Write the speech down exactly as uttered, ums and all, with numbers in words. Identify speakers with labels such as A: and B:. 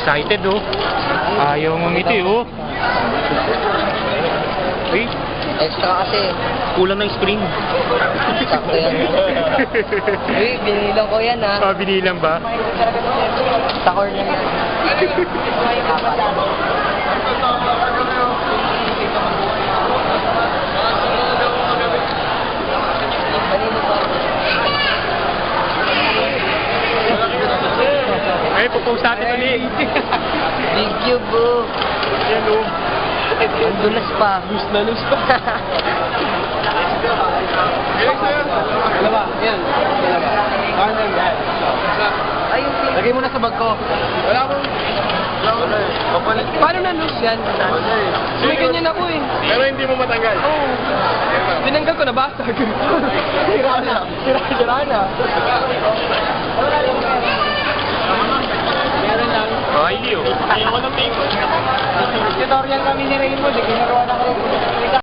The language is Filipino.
A: excited oh. Ayaw ngumiti oh. Uy,
B: Extra kasi.
A: kulang ng spring.
B: Sakto yan. Uy, binilang ko yan ha.
A: Ah, binilang ba?
B: Sa corner yan. Kanino ba?
A: Ay, pupost natin ulit.
B: Big cube bro.
A: Yan oh.
B: Ang dulas pa.
A: Lus na lus pa.
C: Dalawa, yan. Dalawa.
B: Ayun,
C: Lagay mo na sa bag ko. Wala akong... Kapalit.
B: paano na loose yan?
C: May ganyan ako eh. Pero hindi mo matanggal.
B: Oo.
C: Tinanggal ko na basag. Sira na. Sira, sira na. Meron lang.
A: Oh, hindi oh.
C: Ayaw ko ng pink. Tutorial kami ni Raymond. Ginagawa na ko.